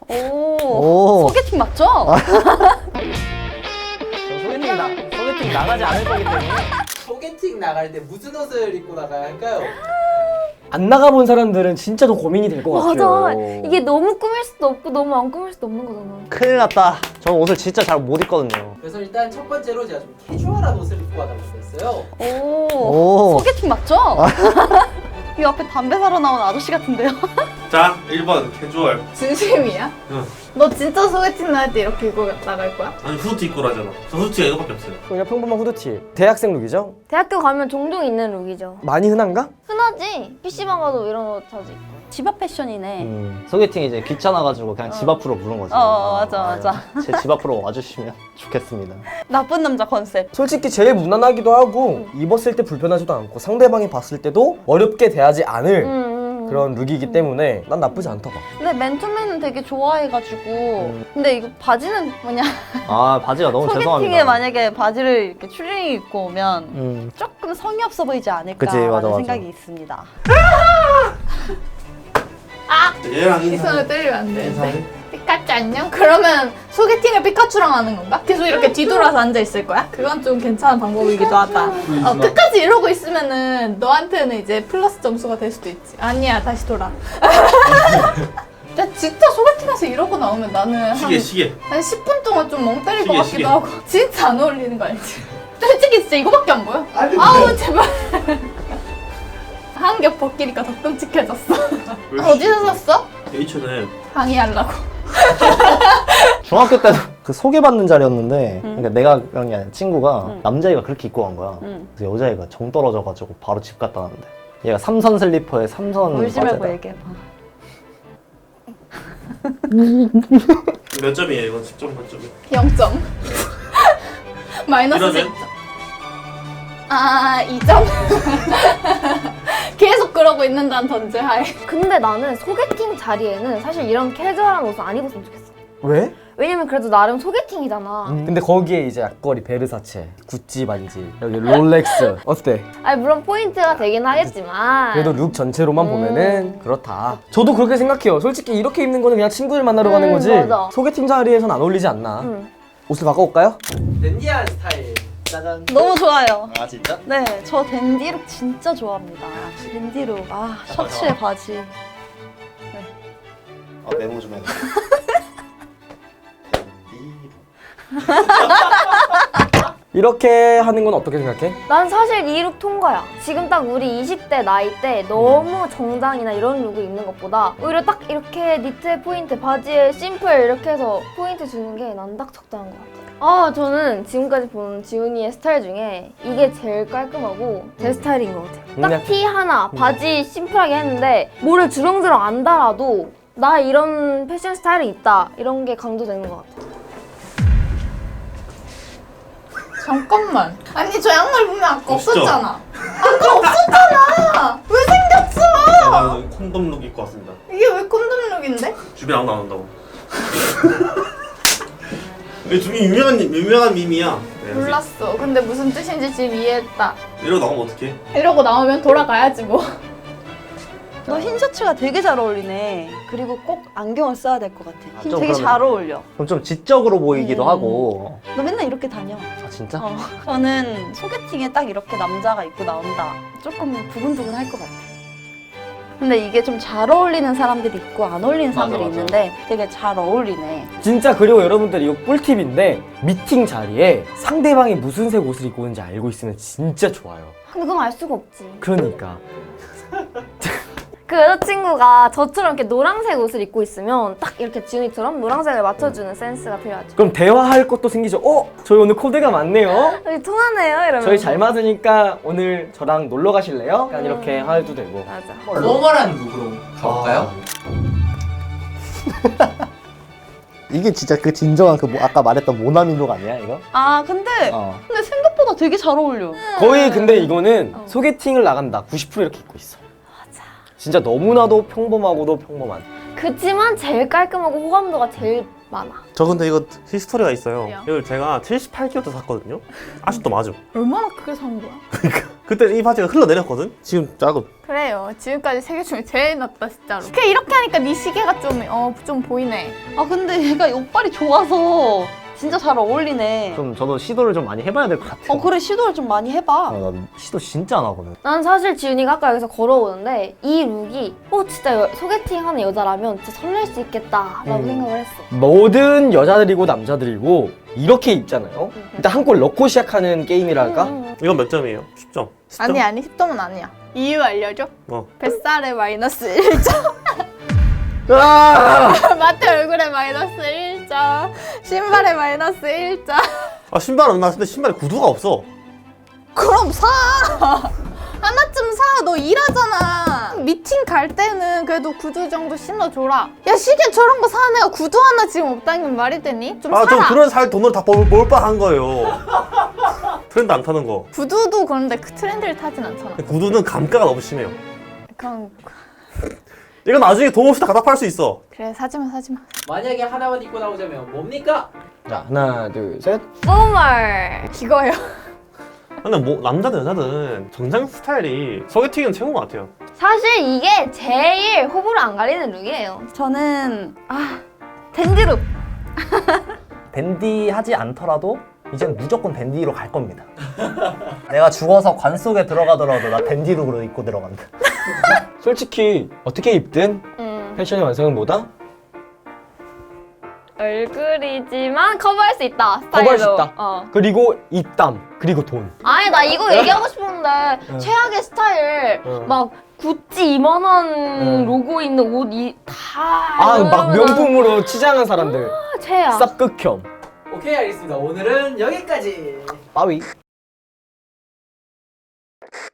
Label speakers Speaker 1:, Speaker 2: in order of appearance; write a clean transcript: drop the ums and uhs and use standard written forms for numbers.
Speaker 1: 오. 소개팅 맞죠?
Speaker 2: 소개팅 나가지 않을 거기 때문에.
Speaker 3: 소개팅 나갈 때 무슨 옷을 입고 나가야 할까요?
Speaker 2: 안 나가본 사람들은 진짜 더 고민이 될 것 같아요.
Speaker 1: 맞아. 이게 너무 꾸밀 수도 없고 너무 안 꾸밀 수도 없는 거잖아.
Speaker 4: 큰일 났다. 저는 옷을 진짜 잘 못 입거든요.
Speaker 3: 그래서 일단 첫 번째로 제가 좀 캐주얼한 옷을 입고 가달라고 했어요.
Speaker 1: 오. 소개팅 맞죠? 이 앞에 담배 사러 나온 아저씨 같은데요?
Speaker 5: 자, 1번 캐주얼.
Speaker 6: 진심이야?
Speaker 5: 응.
Speaker 6: 너 진짜 소개팅 나갈 때 이렇게 입고 나갈 거야?
Speaker 5: 아니 후드티 입고 라잖아. 저 후드티가 이거밖에 없어요.
Speaker 2: 그냥 평범한 후드티. 대학생 룩이죠?
Speaker 1: 대학교 가면 종종 있는 룩이죠.
Speaker 2: 많이 흔한가?
Speaker 1: 흔하지. PC방 가도 이런 옷 자주 입고. 집 앞 패션이네.
Speaker 4: 소개팅 이제 귀찮아가지고 그냥 집 앞으로 부른 거지.
Speaker 1: 맞아.
Speaker 4: 제 집 앞으로 와주시면 좋겠습니다.
Speaker 1: 나쁜 남자 컨셉.
Speaker 2: 솔직히 제일 무난하기도 하고 입었을 때 불편하지도 않고 상대방이 봤을 때도 어렵게 대하지 않을 그런 룩이기 때문에 난 나쁘지 않다 봐.
Speaker 1: 근데 맨투맨은 되게 좋아해가지고. 근데 이거 바지는 뭐냐?
Speaker 4: 아 바지가 너무
Speaker 1: 소개팅에
Speaker 4: 죄송합니다.
Speaker 1: 만약에 바지를 이렇게 추리닝 입고 오면 조금 성의 없어 보이지 않을까
Speaker 4: 그치, 맞아.
Speaker 1: 생각이 있습니다.
Speaker 5: 얘랑
Speaker 6: 시선을 때리면 안 되는데. 피카츄 안녕? 그러면 소개팅을 피카츄랑 하는 건가? 계속 이렇게 뒤돌아서 앉아 있을 거야? 그건 좀 괜찮은 방법이기도 하다. 끝까지 이러고 있으면은 너한테는 이제 플러스 점수가 될 수도 있지. 아니야, 다시 돌아. 야, 진짜 소개팅에서 이러고 나오면 나는
Speaker 5: 시계.
Speaker 6: 한 10분 동안 좀 멍 때릴 것
Speaker 5: 시계,
Speaker 6: 같기도
Speaker 5: 시계.
Speaker 6: 하고. 진짜 안 어울리는 거 알지? 솔직히 진짜 이거밖에 안 보여. 아우, 제발. 한 겹 벗기니까 더 끔찍해졌어. 어디서 샀어?
Speaker 5: H&M.
Speaker 6: 방해하려고.
Speaker 4: 중학교 때도 그 소개받는 자리였는데 그러니까 내가 그런 게 아니라 친구가 남자애가 그렇게 입고 간 거야. 그래서 여자애가 정 떨어져가지고 바로 집 갔다 왔는데 얘가 삼선 슬리퍼에 삼선
Speaker 1: 울지 말고
Speaker 4: 바지에다.
Speaker 1: 얘기해봐.
Speaker 5: 몇 점이에요? 이건 10점 만점이.
Speaker 6: 0점. 마이너스
Speaker 5: 이러면?
Speaker 6: 10점. 아, 2점. 계속 그러고 있는다는 전제하에.
Speaker 1: 근데 나는 소개팅 자리에는 사실 이런 캐주얼한 옷을 안 입었으면 좋겠어.
Speaker 2: 왜?
Speaker 1: 왜냐면 그래도 나름 소개팅이잖아.
Speaker 2: 근데 거기에 이제 앞걸이 베르사체, 구찌 반지, 여기 롤렉스 어때?
Speaker 1: 아니 물론 포인트가 되긴 하겠지만
Speaker 2: 그래도 룩 전체로만 보면은 그렇다. 저도 그렇게 생각해요. 솔직히 이렇게 입는 거는 그냥 친구들 만나러 가는 거지.
Speaker 1: 맞아.
Speaker 2: 소개팅 자리에선 안 어울리지 않나? 옷을 바꿔볼까요?
Speaker 3: 댄디한 스타일. 짜잔.
Speaker 1: 너무 좋아요.
Speaker 4: 아 진짜?
Speaker 1: 네, 저 댄디룩 진짜 좋아합니다. 댄디룩. 아, 셔츠에 바지.
Speaker 4: 아 메모 좀 해.
Speaker 2: 이렇게 하는 건 어떻게 생각해?
Speaker 1: 난 사실 이 룩 통과야. 지금 딱 우리 20대 나이 때 너무 정장이나 이런 룩을 입는 것보다 오히려 딱 이렇게 니트에 포인트, 바지에 심플 이렇게 해서 포인트 주는 게 난 딱 적당한 것 같아. 아, 저는 지금까지 본 지훈이의 스타일 중에 이게 제일 깔끔하고 제 스타일인 것 같아요.
Speaker 2: 그냥-
Speaker 1: 딱 티 하나, 바지 심플하게 했는데 뭐를 주렁주렁 안 달아도 나 이런 패션 스타일이 있다 이런 게 강조되는 것 같아.
Speaker 6: 잠깐만. 아니, 저 양말 보면 아까
Speaker 5: 없죠?
Speaker 6: 없었잖아. 아까 없었잖아. 왜 생겼어?
Speaker 5: 나는 콘돔 룩 입고 왔습니다.
Speaker 6: 이게 왜 콘돔룩인데?
Speaker 5: 주변 아무도 안 온다고. 이게 되게 유명한 밈이야. 네,
Speaker 6: 몰랐어. 근데 무슨 뜻인지 지금 이해했다.
Speaker 5: 이러고 나오면 어떡해?
Speaker 6: 이러고 나오면 돌아가야지 뭐.
Speaker 1: 너 흰 셔츠가 되게 잘 어울리네. 그리고 꼭 안경을 써야 될 것 같아.
Speaker 4: 좀
Speaker 1: 되게
Speaker 4: 그러면-
Speaker 1: 잘 어울려.
Speaker 4: 그럼 좀 지적으로 보이기도 하고.
Speaker 1: 너 맨날 이렇게 다녀.
Speaker 4: 아 진짜?
Speaker 1: 저는 소개팅에 딱 이렇게 남자가 입고 나온다. 조금 두근두근 할 것 같아. 근데 이게 좀 잘 어울리는 사람들이 있고 안 어울리는 사람들이
Speaker 4: 맞아.
Speaker 1: 있는데 되게 잘 어울리네.
Speaker 2: 진짜 그리고 여러분들 이거 꿀팁인데 미팅 자리에 상대방이 무슨 색 옷을 입고 오는지 알고 있으면 진짜 좋아요.
Speaker 1: 근데 그건 알 수가 없지.
Speaker 2: 그러니까
Speaker 1: 그 여자친구가 저처럼 이렇게 노란색 옷을 입고 있으면 딱 이렇게 지훈이처럼 노란색을 맞춰주는 센스가 필요하죠.
Speaker 2: 그럼 대화할 것도 생기죠. 저희 오늘 코드가 맞네요.
Speaker 1: 여기 통하네요 이러면.
Speaker 2: 저희 잘 맞으니까 오늘 저랑 놀러 가실래요? 약간 이렇게 해도 되고.
Speaker 1: 맞아.
Speaker 3: 포멀한 룩으로 가볼까요?
Speaker 4: 이게 진짜 그 진정한 그 아까 말했던 모나미 룩 아니야 이거?
Speaker 1: 아 근데 생각보다 되게 잘 어울려.
Speaker 2: 거의 근데 이거는 소개팅을 나간다 90% 이렇게 입고 있어. 진짜 너무나도 평범하고도 평범한.
Speaker 1: 그치만 제일 깔끔하고 호감도가 제일 많아.
Speaker 5: 저 근데 이거 히스토리가 있어요.
Speaker 6: 왜요?
Speaker 5: 이걸 제가 78kg 때 샀거든요. 아직도 맞음.
Speaker 6: 얼마나 크게 산 거야?
Speaker 5: 그때 이 바지가 흘러내렸거든. 지금 작음.
Speaker 6: 그래요. 지금까지 세계 중에 제일 낮다 진짜로. 그냥 이렇게 하니까 네 시계가 좀 보이네.
Speaker 7: 아 근데 얘가 옷빨이 좋아서 진짜 잘 어울리네.
Speaker 4: 좀 저도 시도를 좀 많이 해봐야 될 것 같아요.
Speaker 7: 그래 시도를 좀 많이 해봐.
Speaker 4: 나 시도 진짜 안 하거든.
Speaker 1: 난 사실 지훈이가 아까 여기서 걸어오는데 이 룩이 진짜 소개팅 하는 여자라면 진짜 설렐 수 있겠다라고 생각을 했어.
Speaker 2: 모든 여자들이고 남자들이고 이렇게 입잖아요. 일단 한 골 넣고 시작하는 게임이랄까?
Speaker 5: 이건 몇 점이에요? 10점. 10점?
Speaker 6: 아니 10점은 아니야. 이유 알려줘?
Speaker 5: 어.
Speaker 6: 뱃살에 마이너스 1점.
Speaker 2: 아!
Speaker 6: 마트 얼굴에 마이너스 1점. 신발에 마이너스 1점.
Speaker 5: 아 신발은 나 근데 신발에 구두가 없어.
Speaker 6: 그럼 사! 하나쯤 사! 너 일하잖아. 미팅 갈 때는 그래도 구두 정도 신어줘라. 야 시계 저런 거 사는 애가 구두 하나 지금 없다는 건 말이 되니? 좀
Speaker 5: 아 좀
Speaker 6: 사라.
Speaker 5: 그런 살 돈으로 다 몰빵한 거예요. 트렌드 안 타는 거.
Speaker 6: 구두도 그런데 그 트렌드를 타진 않잖아.
Speaker 5: 구두는 감가가 너무 심해요.
Speaker 6: 그럼
Speaker 5: 이건 나중에 돈 없이 다 갖다 팔 수 있어.
Speaker 6: 그래 사지마.
Speaker 3: 만약에 하나만 입고 나오자면 뭡니까?
Speaker 2: 자, 하나, 둘, 셋.
Speaker 1: 뽀멀.
Speaker 6: 이거예요.
Speaker 5: 근데 뭐 남자든 여자든 정장 스타일이 소개팅은 최고인 것 같아요.
Speaker 1: 사실 이게 제일 호불호 안 갈리는 룩이에요.
Speaker 7: 저는
Speaker 1: 댄디룩.
Speaker 4: 댄디 하지 않더라도 이젠 무조건 댄디로 갈 겁니다. 내가 죽어서 관 속에 들어가더라도 나 댄디룩으로 입고 들어간다.
Speaker 2: 솔직히 어떻게 입든 패션의 완성은 뭐다?
Speaker 1: 얼굴이지만 커버할 수 있다. 스타일로.
Speaker 2: 커버할 수 있다.
Speaker 1: 어.
Speaker 2: 그리고 입담, 그리고 돈.
Speaker 1: 아니 나 이거 얘기하고 싶었는데 최악의 스타일 막 구찌 2만 원 로고 있는 옷 다
Speaker 2: 막 명품으로 치장한 사람들.
Speaker 1: 최악.
Speaker 2: 쌉 극혐.
Speaker 3: 오케이 알겠습니다. 오늘은 여기까지.
Speaker 2: 빠위.